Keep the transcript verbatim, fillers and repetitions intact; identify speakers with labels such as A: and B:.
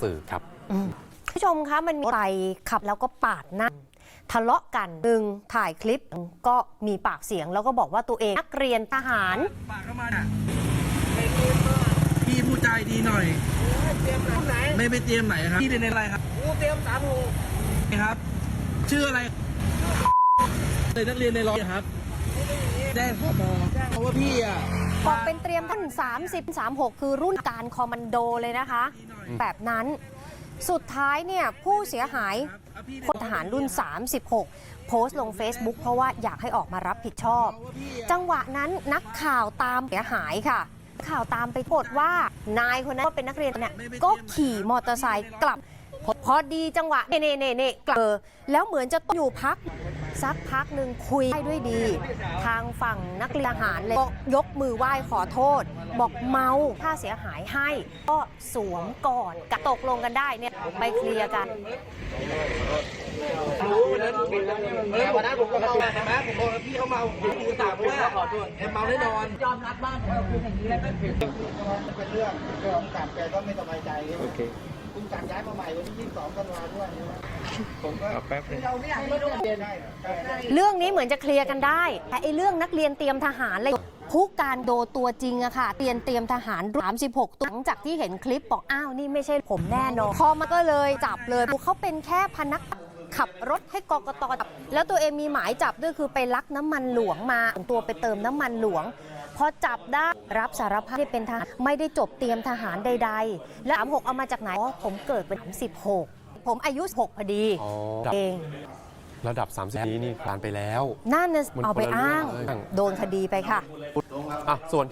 A: สื่อครับ
B: ผู้ชมคะมันมีไปขับแล้วก็ปาดหน้าทะเลาะกันหนึ่งถ่ายคลิปก็มีปากเสียงแล้วก็บอกว่าตัวเองนักเรียนทหาร
C: ปากเข้ามาเนี่ยพี่ผู้ใจดีหน่อยเตรียมไหนไม่ไปเตรียมไหนครับพี่เรียนในอะไรครับกูเตรียมสามหกครับชื่ออะไรเลยนักเรียนในร้อยครับได้ข้อมอเพราะว่าพี่อ่ะ
B: บอกเป็นเตรียมท่านสามสิบ สามหกคือรุ่นการคอมมานโดเลยนะคะแบบนั้นสุดท้ายเนี่ยผู้เสียหายพลทหารรุ่นสามสิบหกโพสต์ลง Facebook เพราะว่าอยากให้ออกมารับผิดชอบจังหวะนั้นนักข่าวตามเสียหายค่ะข่าวตามไปปรากฏว่านายคนนั้นก็เป็นนักเรียนเนี่ยก็ขี่มอเตอร์ไซค์กลับพอดีจังหวะเน่เน่เน่กลับแล้วเหมือนจะต้องอยู่พักสักพักหนึ่งคุยได้ด้วยดีทางฝั่งนักเรียนทหารเลยยกมือไหว้ขอโทษบอกเมาค่าเสียหายให้ก็สวมก่อนตกลงกันได้เนี่ยไปเคลียร์กัน
C: วันนั้นผมก็เข้ามาใช่ไหมผมบอกพี่เขาเมาผมดูต่างว่าเมาแน่นอนยอมรับบ้างคืออย่างนี้แล้วก็
D: เป็นเรื่องเรื่องของการแกก็ไม่สบายใจโอเคคุณการย้ายมาใหม่วันที่ยี่สิบสองกันวาด้วยผมก็แป๊บนึงเราไม่อยากให้เรื่องเรียน
B: เรื่องนี้เหมือนจะเคลียร์กันได้แต่ไอ้เรื่องนักเรียนเตรียมทหารเลยผู้การโดตัวจริงอะค่ะเตรียมเตรียมทหารสามสิบหกหลังจากที่เห็นคลิปบอกอ้าวนี่ไม่ใช่ผมแน่นอนพอมาก็เลยจับเลยเขาเป็นแค่พนักขับรถให้กกต.แล้วตัวเองมีหมายจับด้วยคือไปลักน้ำมันหลวงมาตัวไปเติมน้ำมันหลวงพอจับได้รับสารภาพที่เป็นทหารไม่ได้จบเตรียมทหารใดๆแล้วสามหกเอามาจากไหนอ๋อผมเกิดเป็นสามสิบหกผมอายุหกพอดีเอง
A: ระดับสามสิบนี้นี่ผ่านไปแล้ว
B: นั่นน่ะเอาไปอ้างโดนคดีไปค่ะ
A: อ่ะส่วน